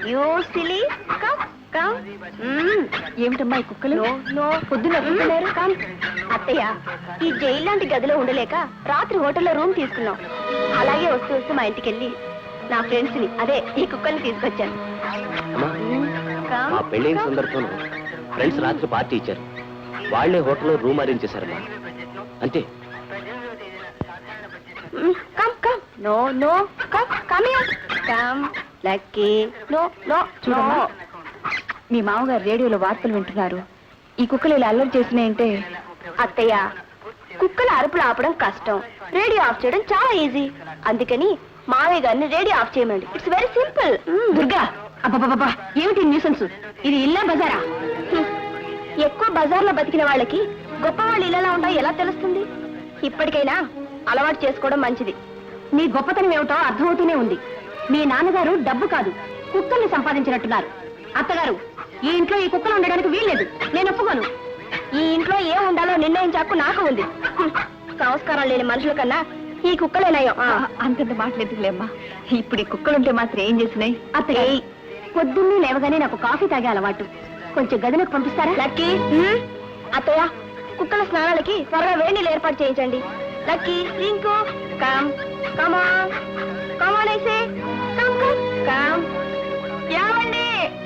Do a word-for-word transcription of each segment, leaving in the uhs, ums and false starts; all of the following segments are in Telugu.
You silly come come. ఏమిటమ్మా ఈ కుక్కలు? నో పొద్దున కుక్కలేరు. కమ్. అత్తయ్య, ఈ జైలు లాంటి గదిలో ఉండలేక రాత్రి హోటల్లో రూమ్ తీసుకున్నాం. అలాగే వస్తూ వస్తూ మా ఇంటికి వెళ్ళి నా ఫ్రెండ్స్ ని, అదే ఈ కుక్కల్ని తీసుకొచ్చాను. మా పెళ్ళైన సందర్భంలో ఫ్రెండ్స్ రాత్రి పార్టీ ఇచ్చారు. వాళ్లే హోటల్లో రూమ్ అరేంజ్ చేశారమ్మా. అంతే. Come come. No no come come here. Come lucky. No no no. మీ మామగారు రేడియోలో వార్తలు వింటున్నారు. ఈ కుక్కలు ఇలా అల్లరి చేసినాయంటే. అత్తయ్య, కుక్కల అరుపులు ఆపడం కష్టం, రేడియో ఆఫ్ చేయడం చాలా ఈజీ. అందుకని మావయ్య గారిని రేడియో ఆఫ్ చేయమండి. It's very simple. దుర్గా, అబ్బా ఏమిటి న్యూసెన్స్? ఇది ఇల్లా బజారా? ఎక్కువ బజార్లో బతికిన వాళ్ళకి గొప్ప వాళ్ళు ఇళ్ళలా ఉంటాయి ఎలా తెలుస్తుంది? ఇప్పటికైనా అలవాటు చేసుకోవడం మంచిది. నీ గొప్పతనం ఏమిటో అర్థమవుతూనే ఉంది. మీ నాన్నగారు డబ్బు కాదు, కుక్కల్ని సంపాదించినట్టున్నారు. అత్తగారు, ఈ ఇంట్లో ఈ కుక్కలు ఉండడానికి వీల్లేదు. నేను ఒప్పుకోను. ఈ ఇంట్లో ఏం ఉండాలో నిర్ణయించాకు నాకు ఉంది. సంస్కారం లేని మనుషుల కన్నా ఈ కుక్కలేనయ్యో. అంతంత మాటలేదులేమ్మా. ఇప్పుడు ఈ కుక్కలుంటే మాత్రం ఏం చేసినాయి? అత్తయ్య, పొద్దున్నే లేవగానే నాకు కాఫీ తాగే అలవాటు. కొంచెం గదిలోకి పంపిస్తారా? లక్కీ. అత్తయ్య, కుక్కల స్నానాలకి త్వరగా వేడి నీళ్ళు ఏర్పాటు చేయించండి. Lucky, Rinku, come come on come on ఐసే కమ్ కమ్ కమ్. ఏమండి?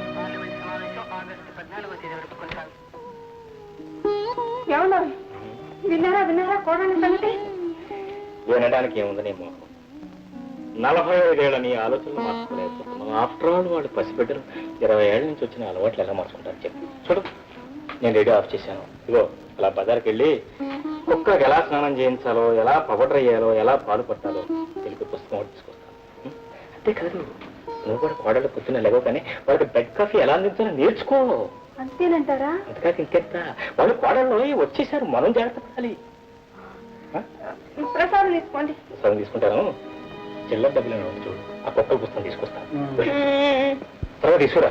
ఎవరు విన్నారా విన్నారా కోడని సంగతి? వినడానికి ఏముంది నీ మోహం? నలభై ఐదేళ్ల నీ ఆలోచనలు మార్చుకోలేకపోతున్నాం. ఆఫ్టర్ ఆల్ వాళ్ళు పసిబిడ్డలు ఇరవై ఏళ్ళ నుంచి వచ్చిన అలవాట్లు ఎలా మార్చుకుంటారు చెప్పి. చూడు, నేను రేడియో ఆఫ్ చేశాను. ఇగో అలా బజార్కి వెళ్ళి కుక్కకి ఎలా స్నానం చేయించాలో, ఎలా పౌడర్ అయ్యాలో, ఎలా పాలు పట్టాలో తెలిపి పుస్తకం ఒకటి తీసుకొస్తాను. అంతేకాదు, నువ్వు కూడా కోడళ్ళు పొద్దున్న లేవో కానీ వాళ్ళకి బెడ్ కాఫీ ఎలా అందించాలో నేర్చుకో. అంతేనంటారా? అంతేకాదు ఇంకెంత, వాళ్ళు కోడళ్ళు వచ్చేసారు, మనం జాగ్రత్త పడాలి. ప్రసాదం తీసుకోండి. ప్రసాదం తీసుకుంటాను. చిల్లర డబ్బులు చూడు, ఆ కుక్కల పుస్తకం తీసుకొస్తాను. తర్వాత తీసుకురా.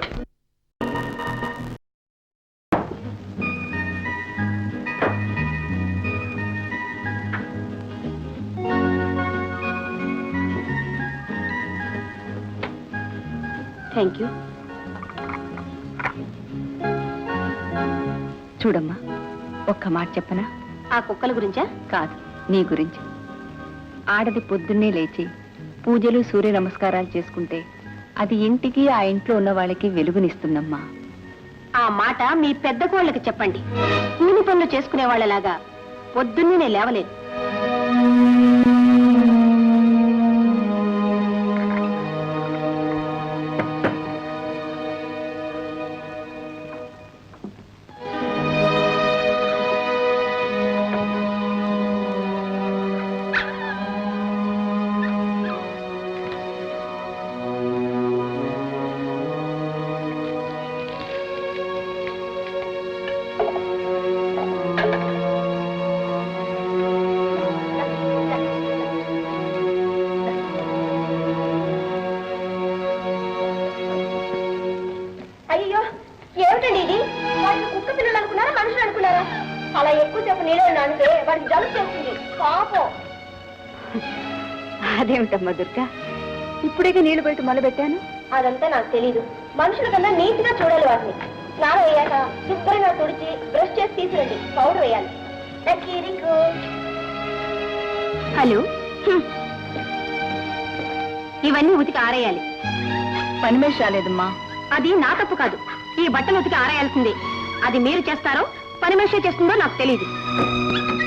Thank you. చూడమ్మా, ఒక్క మాట చెప్పనా? ఆ కుక్కల గురించా? కాదు, నీ గురించి. ఆడది పొద్దున్నే లేచి పూజలు, సూర్య నమస్కారాలు చేసుకుంటే అది ఇంటికి, ఆ ఇంట్లో ఉన్న వాళ్ళకి వెలుగునిస్తుందమ్మా. ఆ మాట మీ పెద్ద కోళ్ళకి చెప్పండి. కూలి పనులు చేసుకునే వాళ్ళలాగా పొద్దున్నే నేను లేవలేదు. అలా ఎక్కువసేపు నీళ్ళు నానితే వాడికి జలుబు చేస్తుంది పాపం. అదేమిటమ్మా దుర్గా, ఇప్పుడే నీళ్లు పెట్టి మొదలుపెట్టాను. అదంతా నాకు తెలీదు. మనుషుల కన్నా నీట్ గా చూడాలి వాటిని. స్నానం అయ్యాక శుభ్రంగా తుడిచి బ్రష్ చేసి తీసుకురండి. పౌడర్ వేయాలి. హలో, ఇవన్నీ ఉతికి ఆరేయాలి. పని మనిషి రాలేదమ్మా. అది నా తప్పు కాదు. ఈ బట్టలు ఉతికి ఆరేయాల్సిందే. అది మీరు చేస్తారో పని మనిషి చేస్తుందో నాకు తెలీదు.